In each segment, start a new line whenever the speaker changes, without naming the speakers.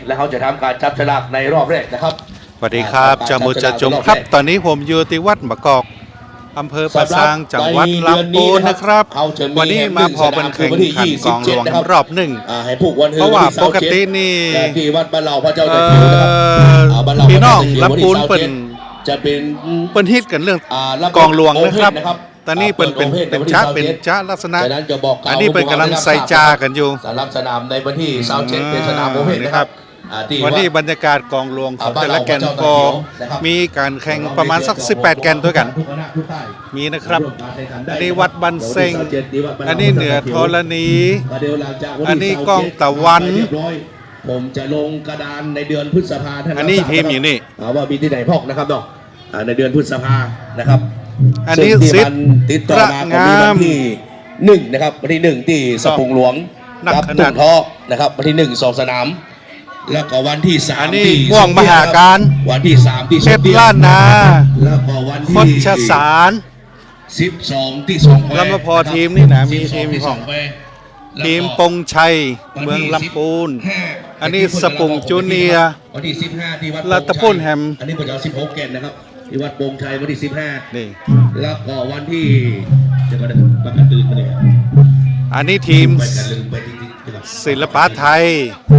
และเขาจะทำการจับฉลากในรอบแรกนะครับ
สวัสดีครับจามุจจมครับตอนนี้ผมอยู่ที่วัดมะกอกอำเภอปะซางจังหวัดลำพูนนะครับวันนี้มาพอเป็นแข่งขันกองหลวงรอบหนึ่งเพราะว่าปกตินี่
ที่วัดบ้านเราพระเจ้า
พี่น้องลำพูนเป็นฮิตกันเรื่องกองหลวงนะครับตอนนี้เป็นจ้าลักษณะอันนี้เป็นกำลังใส่จากันอยู่
สำหรับสนามในวันที่27เป็นสนามโอเพนนะครับ
วันนี้บรรยากาศกองหลวงของแต่ละแกนก็มีการแข่งประมาณสัก18แกนด้วยกันมีนะครับอันนี้วัดบันเซ็งอันนี้เหนือธรณีอันนี้กองตะวัน
ผมจะลงกระดานในเดือนพฤษภาคม
อันนี้ทีมอยู่นี่
ว่ามีที่ไหนพอกนะครับเนาะในเดือนพฤษภานะครับ
อันนี้สิบ
ติดต่อมาของวันที่1นะครับวันที่1ที่สปุงหลวงกับตุ่นทอนะครับวันที่1 2สนามแล้วก็วันที่3
ที่ม่วงมหาการ
วันที่3ที่
เพชรล้านนา
แล้วก็วันที่
คดชสาร
12ที่2
แล้วมาพอทีมนี่นะมีทีมของทีมปงชัยเมืองลำพูนอันนี้สปุงจูเนีย
วันที่15ที่วัด
รัตพุนแฮม
อันนี้ผมจะเอา16แกนนะครับที่วัดปงชัยวันที่15
นี่
แล้วก็วันที่จะก็ได้ประกาศตื่นมาเลย
อันนี้ทีมศิลปะไทย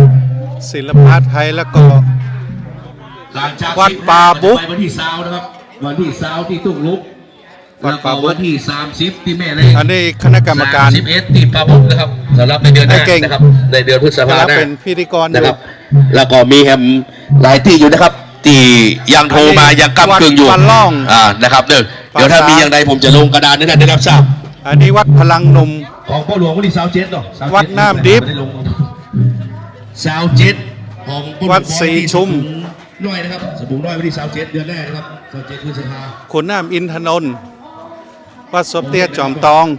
แล้วก็วัดป่าบุ๊ก
วันที่20นะครับวันที่20ที่ตุ้งลุกวัดป่าบุ๊กวันที่30ที่แม่เลย
อันนี้คณะกรรมการ
31ที่ป่าบุ๊กนะครับสำหรับในเดือนหน้านะครับในเดือนพฤษภาคม
เป็นพิธีกร
นะครับแล้วก็มีแฮมหลายที่อยู่นะครับที่ยังโทรมายังกำกึ่งอยู่นะครับเดี๋ยวถ้ามีอย่างใดผมจะลงกระดานได้รับทราบ
อันนี้วัดพลังหนุ่ม
ของพ่อหลวงวันที่27เนาะ
วัดน้ำดิบ
27ของ
วัดสีชุม
น้อยนะครับสมุนน้อยวันที่27เดือนแรกนะครับ27พฤษภา
ขุนน้ำอินทนนท์วัดสมเตียจอมตอง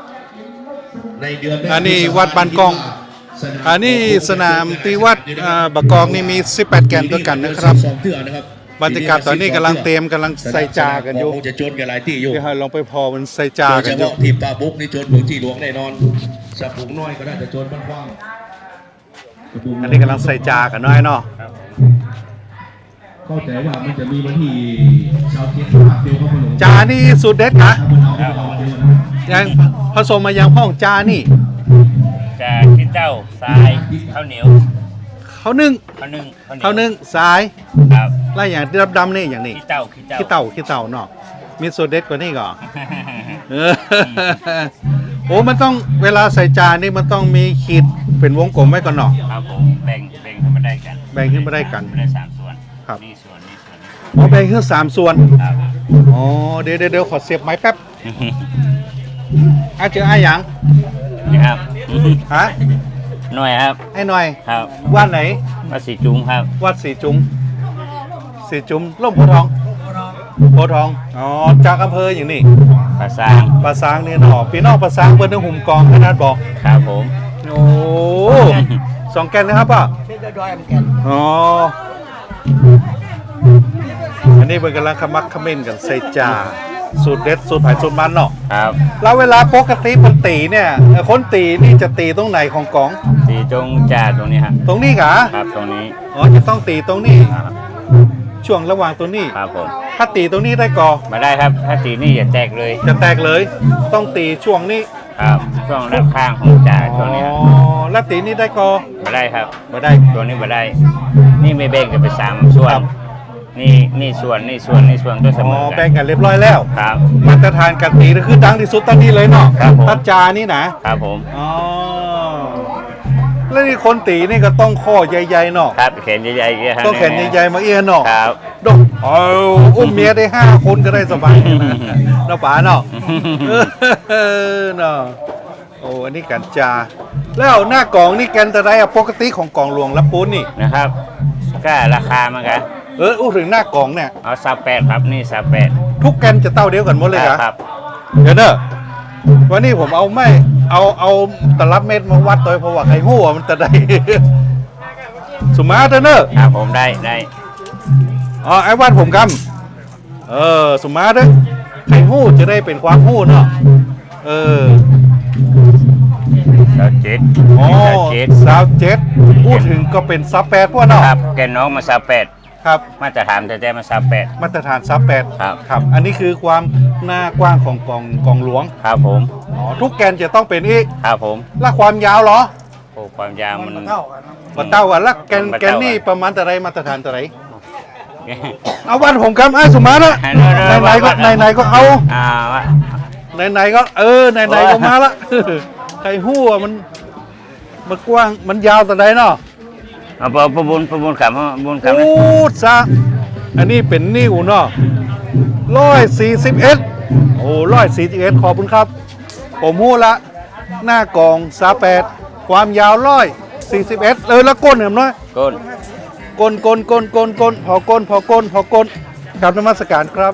อันนี้วัดบ้านกองอันนี้สนามที่วัดบะกองนี่มี18แกนด้วยกันนะครับบรรยากาศตอนนี้กำลังใส่จากันอยู่
จะโจนกันหลายที่อยู่
เดี๋ยวลองไปพอมันใส่จากันอยู่
ทีมปลาบุ๊กนี่โจนพื้นที่หลวงแน่นอนสปุงน้อยก็ได้จะโจนบ้านกว้าง
อันนี้กำลังใส่จากันน้อยเนาะ
ก็แต่ว่ามันจะมีวันที่ชาวเชียงภาพเดียวเขาลง
จานี่สุดเด็ดนะยังผสมมายังพ่องจานี่
จาขี้เต้าทรายข้าวเหนียว
ข้าวนึ่งทราย
ครับ
ไล่อย่างดำๆนี่อย่างนี้ขี้เต่าเนาะมีสุดเด็ดกว่านี้ก่อนโอ้มันต้องเวลาใส่จานนี่มันต้องมีขีดเป็นวงกลมไว้ก่อนเนาะ
ครับผมแบ่งขึ้นมาได้กัน
ได้
3ส่วน
ครับ
นี่ส่วน
อ๋อแบ่งขึ้น3ส่วนอ๋อเดี๋ยวขอเสียบไม้แป๊บเจอไอ้หยัง
นะครับ
ฮะ
หน่อยครับ
ไอ้หน่อย
ครับ
วัดไหน
วัดสีจุ้งครับ
วัดสีจุ้งร่มโพธิ์ทองอ๋อจากอำเภออย่างนี้
ปะซาง
นี่เนาะพี่น้องปะซางเปิ้นหุ่มกองขนาดบอก
ครับผม
โอ้2แกนนะครับป่ะอ๋ออันนี้เป็นกำลังขมักขม้นกันใส่จาสูตรเด็ดสูตรไผ่สูตรมันเนาะ
ครับ
แล้วเวลาปกติคนตีเนี่ยคนตีนี่จะตีตรงไหนของกอง
ตีตรงจ่าตรงนี้ครับ
ตรงนี้กะ
ครับตรงนี้
อ๋อจะต้องตีตรงนี้ช่วงระหว่างตรงนี้
ครับผม
ถ้าตีตรงนี้ได้ก่อ
ไม่ได้ครับถ้าตีนี่อย่าแตก
เลยต้องตีช่วงนี้
ครับช่วงด้านข้างของจ่าช่วงนี้
อ๋อแล้วตีนี่ได้ก่อ
ไม่ได้ครับ
ไม่ได้
ตัวนี้ไม่ได้นี่ไม่แบ่งกันไป3ส่วนนี่ส่วนด้วยเสมอ
แบ่งกันเรียบร้อยแล้ว
ครับ
มาตรฐานการตีคือดังที่สุดตอนนี้เลยเนาะตัดจานี่
นะครับผม
อ๋อแล้วนี่คนตีนี่ก็ต้องข้อใหญ่ๆเนาะ
ครับแขนใหญ่ๆ
ต้องแขนใหญ่ๆมาเอี้ยเนาะ
ครับ
ดกอุ้มเมียได้5คนก็ได้สบายเนาะป๋าเนาะเนาะโอ้อันนี้กันจาแล้วหน้ากองนี่กันแต่ไรปกติของกองหลวงลำพูนนี่
นะครับก็ราคามันกัน
ถึงหน้ากองเนี่ย
เอา38ครับนี่38
ทุกแกนจะเต้าเดียวกันหมดเลยครับเดี๋ยวเนอะวันนี้ผมเอาตลับเม็ดมาวัดตัวเพราะว่าไอ้หัวมันจะได้สมาร์ทเนอะ
ครับผมได้
อ๋อไอ้วัดผมกำสมาร์ทไอ้หู้จะได้เป็นความหู้เนาะ
สาวเจ็ด
อ๋อ
สาวเจ็ด
สาวเจ็ดพูดถึงก็เป็นซับแปดพวกเนาะ
ครับแกนน้องมาสาวแปด
ครับ
มาตรฐานแต่มาสาวแปด
มาตรฐานซับแปด
ครับ
ครับ อันนี้คือความหน้ากว้างของกองหลวง
ครับผม
อ๋อทุกแกนจะต้องเป็นอีก
ครับผม
และความยาวเหรอ
โอ้ความยาวมัน
มาเต้ากันแล้วแกนนี่ประมาณแต่ไรมาตรฐานแต่ไรเอาวันผมครับไอ้สุมาละไหนก็เอา
วะ
ไหนก็ไหนก็มาละใครหู้ว่ามันกว้างมันยาวแต่ไรเนาะ
เอาประบุญขำนะ
โอ้ซะอันนี้เป็นนิ้วเนาะ141โอ้141ขอบคุณครับผมหู้ละหน้ากอง38ความยาว141แล้วก้นเหรอน้อย
ก้น
ก้นพอก้นกราบนมัสการครับ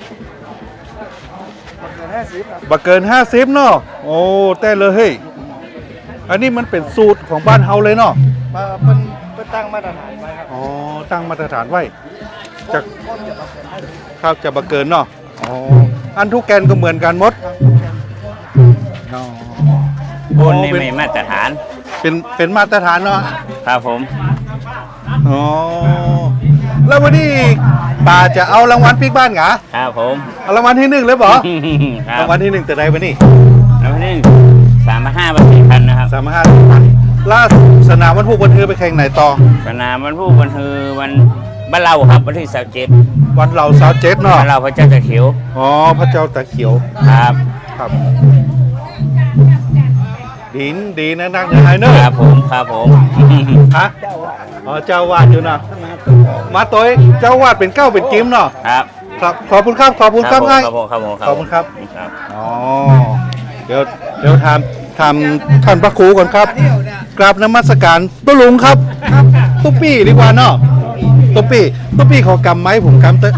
บักเกิน50เนาะโอ้แต่เลยเฮ้ยอันนี้มันเป็นสูตรของบ้านเฮาเลยเนาะ
เป็นตั้งมาตรฐานไว้ครับ
อ๋อตั้งมาตรฐานไว้จากข้าวจะบักเกินเนาะอ๋ออันทุกแกนก็เหมือนกันหมดอ๋อ
ก้นนี่ไม่มาตรฐาน
เป็นมาตรฐานเนาะ
ครับผม
อ๋อแล้ววันนี้ป่าจะเอารางวัลปิ๊กบ้านเหรอ
ครับผม
เอารางวัลที่1เลยบ่
ครั
รา
บ
งวัลที่1แต่ใดวันนี้
แล้วนี่3,500 บาท4,000นะครับ
35ล่าสนามวันพุธวันเธอไปแข่งไหนต่อ
สนามวันผู้วันฮือวันบ้านเราครับวันที่27
วันเราสาวเจ็ดเนาะ
บ้านเราพระเจ้าตะเขียว
อ๋อพระเจ้าตาเขียว
ครับ
ครับดีนะนักเนื้อไฮเนอร์
ครับผมครับผม
ฮะอ๋อเจ้าวาดอยู่นะมาตัวเองเจ้าวาดเป็นเก้าเป็นจิมเนาะ
ครับ
ครับขอบคุณครับขอบคุณครับ
ผม
ไอ้
ครับผมครับผม
ขอบคุณครับ
ครับ
อ๋อเดี๋ยวถามท่านพระครูก่อนครับกราบนมัสการตุ๊ลุงครับตุ๊ปี้ดีกว่าเนาะตุ๊ปี้ขอกำไม้ผมกำเตอะ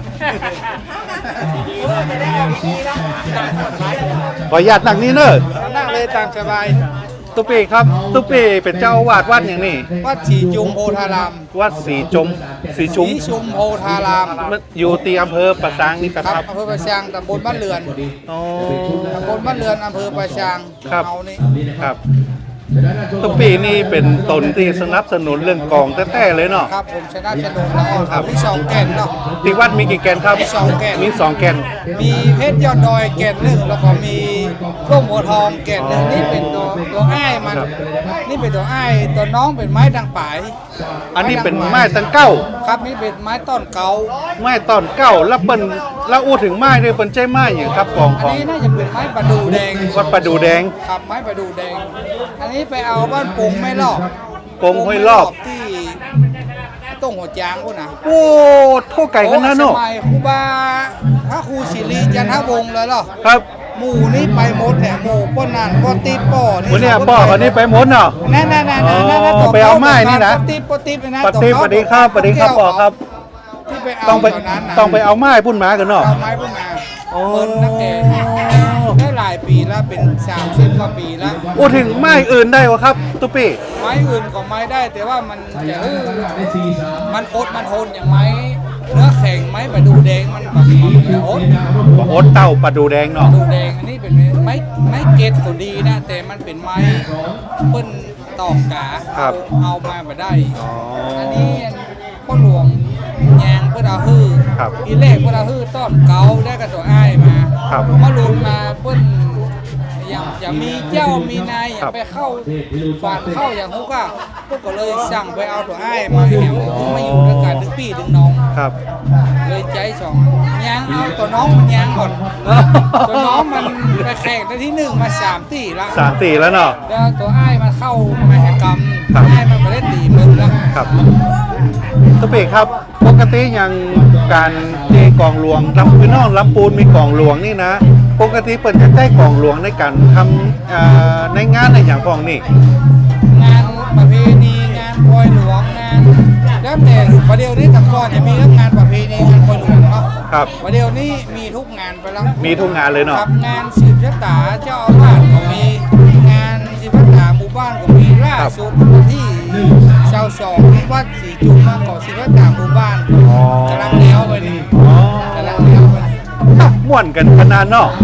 ขออนุญาตนั่งนี่เนอะ
นั่งเลยตามสบาย
ตุ๊ปี้ครับตุ๊ปี้เป็นเจ้าอาวาดวัดอย่างนี้
วัดสีจุมโพธาราม
วัดสีชุม
สีชุมโพธาราม
มันอยู่ที่อำเภอปะซางนี่ครับ
อำเภอประชางตำบลบ้านเรือน
อ๋อ
ตำบลบ้านเรือนอำเภอประชาง
ครับ
เอานี่
ครับตุ๊ปี้นี่เป็นตนที่สนับสนุนเรื่องกองแท้ๆเลยเนาะ
ครับผมชนะชนแล้ว
ครับ
มีสองแก่นเนาะ
ที่วัดมีกี่แกนครับ
มีสองแกน
มี2แกน
มีเพชรยอดดอยแก่นหนึ่งแล้วก็มีร่มหัวทองแก่นหนึ่งนี่เป็นตัวอ้ายมัน นี่เป็นตัวอ้ายตัวน้องเป็นไม้ดังป่าย
อันนี้เป็นไม้ตังเก้า
ครับนี่เป็นไม้ต้นเกา
ไม้ตอนเก้าแล้วเปิ้นแล้วอู้ถึงไม้ด้วยเปิ้นใจไม้อย่างครับกอง
อั
ข
น
อง
นี้น่าจะเป็นไม้ประดูแดง
วัดประดูแดง
ครับไม้ประดูแดง อันนี้ไปเอาบ้านปงไม่รอบ
ปงห้วยรอบ
ที่ต้งหัวจางพุ่นนะ
โอ้โทษไก่กันนะเนาะ
สมัยครูบาพระครูศิริจันทวงศ์เลยเหรอ
ครับ
หมู่นี้ไปหมดเนี่ยหมู่ป้นนันป้ติดป้อนี่
วันนี้บอกอันนี้ไปหมดเนาะ
นั่น
อ๋อ
ตัว
ไปเอาไม้นี่นะ
ป้ติดนะ
ปฏิปฏิครับปฏิครับบอกครับ
ที่ไปเอา
ต้องไป
ตอนนั้นน่ะ
ต้องไปเอาไม้พุ่นหมากันเนาะ
เอาไม้พวกมา
โอ้
เปิดนักแก่ได้หลายปีแล้วเป็น30กว่าปีแล้ว
อู้ถึงไม้อื่นได้วะครับตุ๊ปี้
ไม้อื่นก็ไม้ได้แต่ว่ามันจะมันอดมันทนอย่างไม้เนื้อแข็งไม้ประดูแดงมันแบบอด
โอ๊ตเต่าประดูแดง
ประ
เนาะ
ดูแดงอันนี้เป็นไม้เกตก็ดีนะ แต่มันเป็นไม้เปิ้นตอกกาเอามาไม่ได้
อ๋อ
อันนี้พ่อหลวงยางเพื่อเอาฮื้อ
ครับ
ทีแรกเพื่อเอาฮื้อต้อนเกาได้กับตัวอ้ายมา
ครับ
มาลงมาเปิ้นอย่างมีเจ้ามีนายอย่าไปเข้าฝาดเข้าอย่างฮุกอ่ะพวกก็เลยสั่งไปเอาตัวอ้ายมาแหวมาอยู่ด้วยกันถึงพี่ถึงน้อง
ครับ
เลยใจสองยางเอาตัวน้องมันยางก่อน ตัวน้องมันไปแข่งได้ที่1มา3ตีละ
3-4แล้วเนาะ
แล้วตัวอ้ายมันเข้ามหกรรม
ครับ
อ้ายมันไปเล่นตีมึงแล้ว
ครับตุ๊ปี้ครับปกติอย่างการที่กองหลวงลำพี่น้องลำปูนมีกองหลวงนี่นะปกติเปิดจะได้กองหลวงในการทำในงานในอย่างพองนี่
งานประเพณีงานปล่อยหลวงงานแล้วแต่ประเดี๋ยวนี้แต่ก่อนจะมีเรื่องงานประเพณีงานปล่อยหลวงเนาะ
ครับ
ประเดี๋ยวนี้มีทุกงานไปแล้ว
มีทุกงานเลยเนาะ
ครับงานสืบชะตาเจ้าอาวาสก็มีงานสืบชะตาหมู่บ้านก็มีล่าสุดที่ชาวสองที่วัดสีจุมมาก่อสืบชะตาหมู่บ้าน
อ๋อก
ำลังเลี้ยวไปนี่
อ๋อก
ำลังเลี้ยวไปนี่
ม่วนกันขนาดเนาะ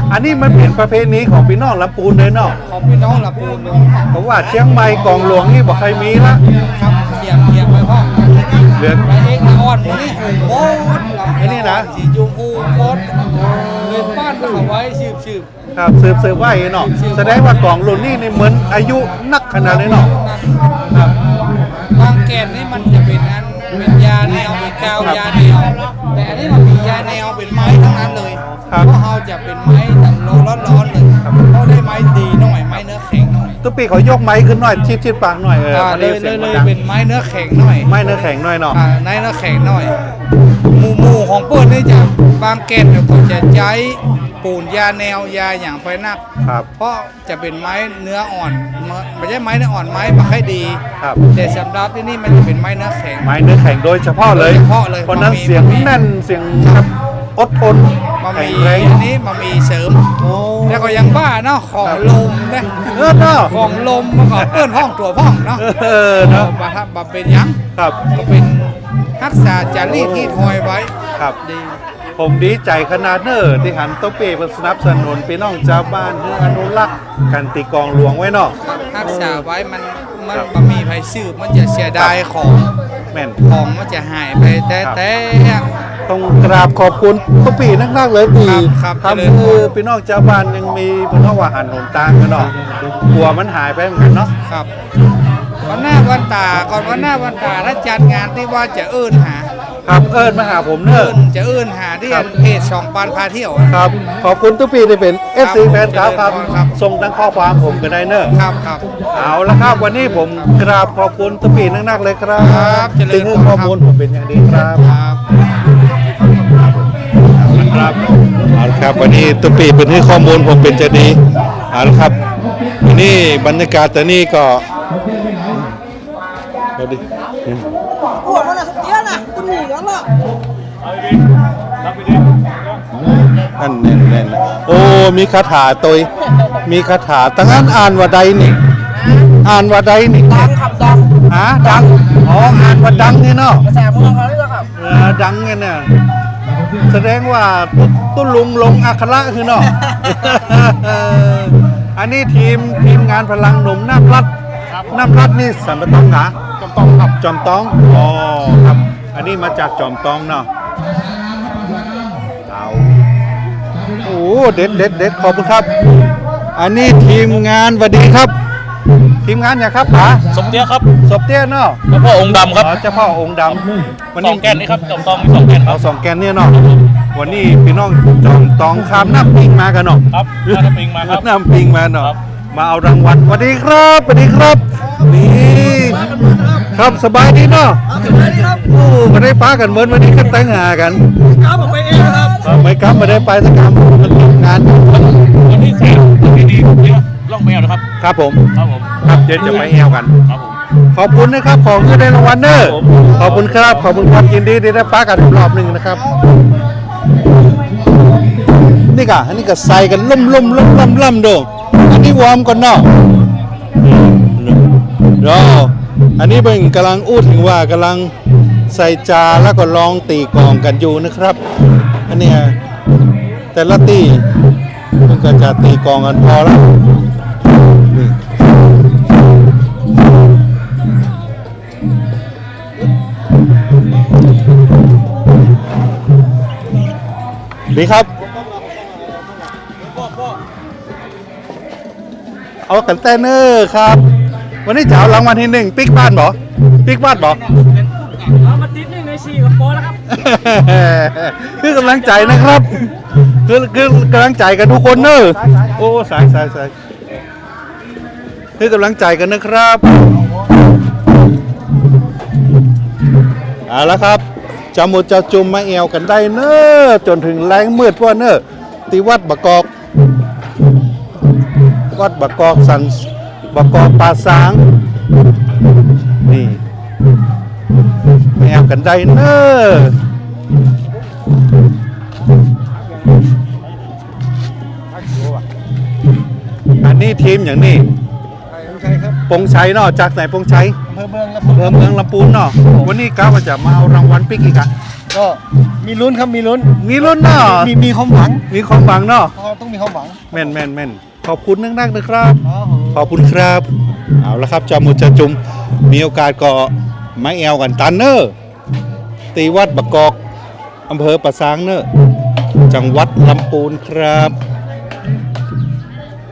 อันนี้มันเป็นประเพณีของพี่น้องลำพูนเลยเนาะ
ของพี่น้องลำพูนเลย
เพราะว่าเชียงใหม่กองหลวงนี่บอกใครมีละ
ครับเทียบไปพ่อ
เหลือ
ไปเอกละอ่อนหมูนี่โอ้ย
ไอ้นี่นะ
สีจูอูโคตรเลยบ้านเขาไว้ชืบ
ครับสืบไว้เนาะแสดงว่ากองรุ่นนี่เหมือนอายุนักขนาดเลยเนาะ
ครับ บางแก่นนี่มันจะเป็นอันเป็นยาแนวเป็นกาวยาแนวแต่อันนี้มันมียาแนวเป็นไม้ทั้งนั้นเลยเพราะเราจะเป็นไม้แบบร้อนๆเลยเขาได้ไม้ดีหน่อยไม้เนื้อแข็งหน่อย
ตุ๊กปีเขายกไม้ขึ้นหน่อยชิดปากหน่อยมัน
เลย
สีง
เลย
ดัง
เป็นไม้เนื้อแข็งหน่อย
ไม้เนื้อแข็งหน่อยเนาะ
ไม้เนื้อแข็งหน่อยหมู่ของเปิ้ลนี่จะบางแก่นเนี่ยก็จะใช้ปูนยาแนวยาอย่างไปนัก
ครับ
เพราะจะเป็นไม้เนื้ออ่อนไม่ใช่ไม้เนื้ออ่อนไม้มาให้ดี
ครับ
แต่สำหรับที่นี่มันจะเป็นไม้เนื้อแข็ง
ไม้เนื้อแข็งโดยเฉพาะเลย
โดยเฉพาะเลย
เพราะนั้น
มันมี
เสียงแน่นเสียงครับอดทน
มา
แข็
มี
งแรง
อันนี้มามีเสริม
โอ้
แล้วก็ยังบ้าเนาะของลมนะ
เนาะ
ของลมมันก็เปื้อนห้องตัวห้องเนาะ
เนาะ
มาเป็นหยัง
ครับ
ก็เป็นรักษาจารีตที่ทอยไว้
ครับ
ดี
ผมดีใจขนาดเนอที่หันโต๊ะเป้เป็นสนับสนุนพี่น้องชาวบ้านเพื่ออนุรักษ์กันตีกองหลวงไว้เนาะ
รักษาไว้มันมันมีภัยสืบมันจะเสียดายของ
แม่น
ของมันจะหายไปแต่
ต้องกราบขอบคุณทุกปีนักๆเลยที่
ครับ
ทำคือพี่น้องชาวบ้านยังมีพี่น้องว่าหันหนตางกันเนาะกลัวมันหายไปเหมือนกันเนาะ
ครับวันหน้าวันตาก่อนวันหน้าวันตาถ้าจัดงานที่ว่าจะเอื้นหา
ครับเอิญมาหาผมเนอะ
จะเอื้นหาที่
ครับ
เพจสองปานพาเที่ยว
ครับ ขอบคุณทุกปีที่เป็น FC แฟนคลับครับ
ครับ
ส่งทั้งข้อความผมก็ได้เนอะ
ครับครับ
เอาละครับวันนี้ผมกราบขอบคุณทุกปีนักๆเลยครับ
ครับเจริญ
ถึงข้อมูลผมเป็นอย่างดีครับ
ครับ
ครับเอาละครับวันนี้ตุ๊ปีเป็นให้ข้อมูลผมเป็นจะดีเอาละครับวันนี้บรรยากาศแต่นี่ก็เอาดิ
Ủa nó là sắp tía nè, tôi nghỉ nó là
อันแน่นๆโอ้มีคาถาตัวมีคาถาตั้งนั้นอ่านว่าใดนี่อ่านว่าใดนี่
đang khập đằng
ดังอ๋ออ่านว่าดังนี่เนาะ
Cái xẻ mua nó đấy khập
ดังไงเนี่ยแสดงว่าตุ้ลุงลงอัคระคือเนาะ อันนี้ทีมงานพลังหนุ่มน้ำรัดนี่สัมปทานหาจอมตองครับจอมตองอ๋อครับ อันนี้มาจากจอมตองเนาะเอาโอ้เด็ดขอบคุณครับ อันนี้ทีมงานสวัสดีครับ ทีมงานอย่างครับป๋า
สมเตี้ยครับ
ศพเตี้ยเนาะ
เจ้าพ่อองค์ดำครับ
อ๋อเจ้าพ่อองค์ดำวัน
ส
นี้
องแกนนี่ครับจอมทองมีสองแกนค
เอา
รับ
สองแกนเนี่ยเนาะวันนี้พี่น้องจอมตองข้ามน้ำปิงมากันเนาะ
ครับน่าจะปิงมาครับ
น้ำปิงมาเนาะ
ครับ
มาเอารางวัลสวัสดีครับสวัสดีครับนี่ครับสบายดีเนาะโอ้มาได้ป้ากันเหมือนวันนี้ก็แต่งหากัน
Cá một bên em không?
ไม่ครับมาได้ไปสักคำมันทำงาน
วันที่3ที่ดีเนี่ยล่องแมวนะครับ
ครับผม
ครับผม
ครับเดี๋ยวจะไปแอวกัน
ครับผม
ขอบคุณนะครับของที่ได้รางวัลเนอร์ขอบคุณครับขอบคุณครับยินดีที่ได้ป้ากันอีกรอบหนึ่งนะครับ นี่กะอันนี้ก็ใส่กันล่มดูอันนี้วอร์มก่อนเนาะเดี๋ยวอันนี้เป็นกำลังอู้ถึงว่ากำลังใส่จาแล้วก็ลองตีกลองกันอยู่นะครับ อันเนี้ยแต่ละตีมันก็จะตีกลองกันพอแล้วนี่ดีครับ เอากันแต่เนอร์ครับ วันนี้จะเอารางวัลที่1ปิ๊กบ้านบ่ปิ๊กบ้านบ่
เอามาติด1ใน4กับโปแล้วครับ
คือกำลังใจนะครับคือกำลังใจกันทุกคนเนอะโอ้สายคือกำลังใจกันนะครับเอาละครับจะหมดจะจุ่มมาแอวกันได้เนอะจนถึงแรงมืดพวกเนอะตีวัดบกอกสันบกอกป่าสางนี่แอวกันได้เนอะอันนี้ทีมอย่างนี้ปงชัยเนาะจากไหนปงชัยอำเภอเมืองลำพูนเนาะวันนี้ก้าวจะมาเอารางวัลปิ๊กอีกอะ
ก็มีลุ้นครับมีลุ้น
มีลุ้นเนาะ
มีความหวัง
มีความหวังเนาะ
เราต้องมีความหวัง
แม่นแม่นแม่นขอบคุณนักๆนะครับ
ครับผม
ขอบคุณครับ เอาละครับจามุจะจุมมีโอกาสก็มาแอวกันตันเนอร์ตีวัดบะกอกอำเภอปะซางเนอร์จังหวัดลำพูนครับ